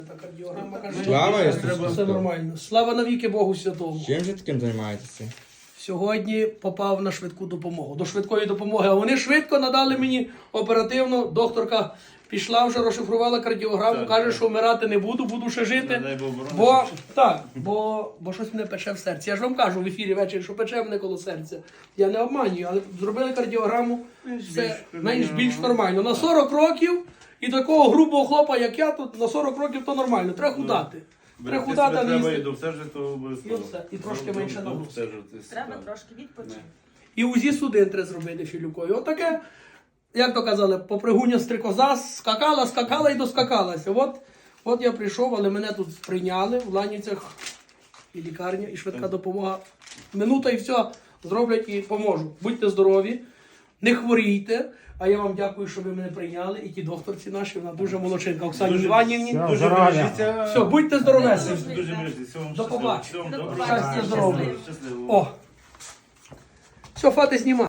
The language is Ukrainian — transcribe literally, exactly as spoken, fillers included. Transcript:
Кардіограма каже, Слава Ісусу все Христу! нормально. Слава навіки Богу Святому. Чим же таким займаєтеся? Сьогодні попав на швидку допомогу, до швидкої допомоги. А вони швидко надали мені оперативно. Докторка пішла вже, розшифрувала кардіограму, Так, каже, так. що вмирати не буду, буду ще жити. Дай Бог борони. Бо так, бо, бо щось мене пече в серці. Я ж вам кажу в ефірі ввечері, що пече мене коло серця. Я не обманюю, але зробили кардіограму, все менш більш нормально. На сорок років і такого грубого хлопа, як я, тут на сорок років то нормально. Треба худати. Треба худати, а не Треба і їсти. до все жито обов'язково. І все, і трошки До- менше до- до нагрузки. все жити. Треба Так. трошки відпочити. І УЗІ судин треба зробити філюкою. Отаке, як то казали, попригуня стрикоза, скакала, скакала і доскакалася. От, от я прийшов, але мене тут прийняли в Ланівцях і лікарня, і швидка допомога. Минута і все зроблять і поможу. Будьте здорові, не хворійте. А я вам дякую, що ви мене прийняли. І ті докторці наші, вона дуже молодчинка. Оксані Дуже- Іванівні. Все, Дуже здоров'я. бережіться. Все, будьте здоровесені. Дуже бережіться. Всього вам До щасливо. побачення. Всього вам До доброго. побачення. Щастя, здоров'я. Щасливо. О, все, фати знімати.